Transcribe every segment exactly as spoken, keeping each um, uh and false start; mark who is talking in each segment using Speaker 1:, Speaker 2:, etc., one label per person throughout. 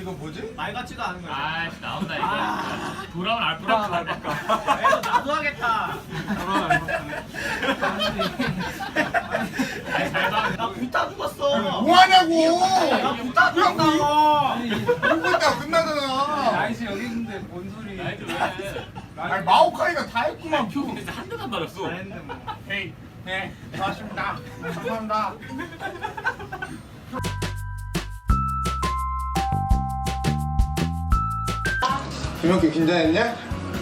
Speaker 1: 이거 뭐지?
Speaker 2: 말 같지도 않은 거야.
Speaker 3: 아 나온다 이거. 아, 돌아온 알파카.
Speaker 2: 돌아온 알파카. 그래서 나도 하겠다.
Speaker 1: 돌아온 알파카.
Speaker 2: 나 붓다 죽었어.
Speaker 1: 뭐하냐고!
Speaker 2: 나 붓다 죽었다고.
Speaker 1: 이거 있다가 끝나잖아.
Speaker 4: 나이스 여기 있는데 뭔 소리?
Speaker 3: 나이트 왜?
Speaker 1: 아니 마오카이가 다 했구만.
Speaker 3: 근데 한 대도 안 맞았어.
Speaker 2: 잘했네 뭐.
Speaker 3: 헤이.
Speaker 1: 네, 고맙습니다. 감사합니다. 김혁기 긴장했냐?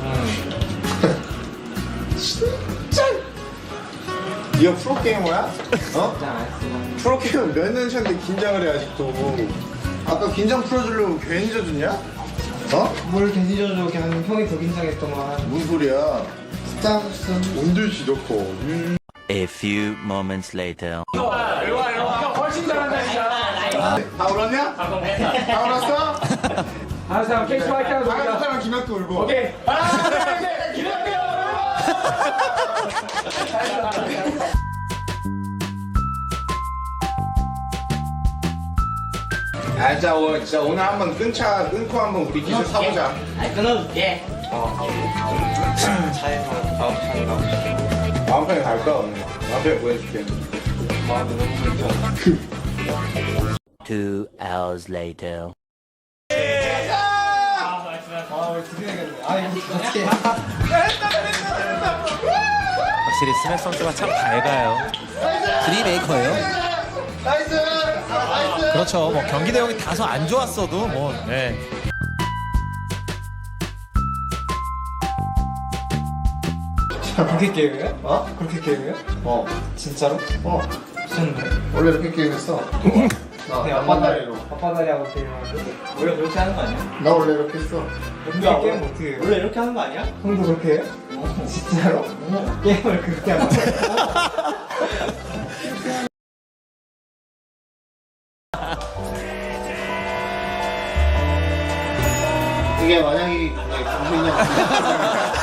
Speaker 1: 진짜. 네가 프로게이머야? 어? 프로게이머 몇 년 차인데 긴장을 해 아직도. 아까 긴장 풀어주려고 괜히 져줬냐? 어?
Speaker 4: 뭘 괜히 져줘 그냥 형이 더 긴장했더만.
Speaker 1: 무슨 소리야? 스타벅스 온들씨 좋고. 음.
Speaker 5: A few moments later.
Speaker 3: 일로와 일로와.
Speaker 4: 형 훨씬 잘한다 진짜.
Speaker 1: 다 울었냐? 다 울었어?
Speaker 4: 다른 사람 케이크 화이팅 하고
Speaker 1: 다른
Speaker 4: 놀자.
Speaker 1: 사람 김학도 울고.
Speaker 4: 오케이. 하나 둘셋 기대할게요.
Speaker 1: 아, 진짜, 오, 진짜 오늘 한번 끊자, 끊고 한번 우리 기술 사보자.
Speaker 2: 아니 끊어줄게.
Speaker 1: 다음 편에 갈까, 오늘? 다음 편에 보여줄게.
Speaker 5: Two hours later.
Speaker 6: 확실히 스맥 선수가 참 밝아요. 드리메이커예요.
Speaker 1: 나이스! 나이스!
Speaker 6: 그렇죠. 뭐 경기 내용이 다소 안 좋았어도 뭐 네.
Speaker 4: 그렇게 게임해요?
Speaker 1: 어?
Speaker 4: 그렇게 게임해요?
Speaker 1: 어.
Speaker 4: 진짜로?
Speaker 1: 어.
Speaker 4: 미쳤네.
Speaker 1: 원래 이렇게 게임했어. 나,
Speaker 4: 네,
Speaker 1: 앞바다리로.
Speaker 4: 아빠다리하고 게임하는데.
Speaker 2: 원래 그렇게 하는 거 아니야?
Speaker 1: 나 원래 이렇게 했어.
Speaker 4: 그렇게 게임 어떻게 해요?
Speaker 2: 원래 이렇게 하는 거 아니야?
Speaker 4: 형도 그렇게 해요? 진짜로? 게임을 그렇게 하는 거야?
Speaker 1: 이게 만약에 방송이냐?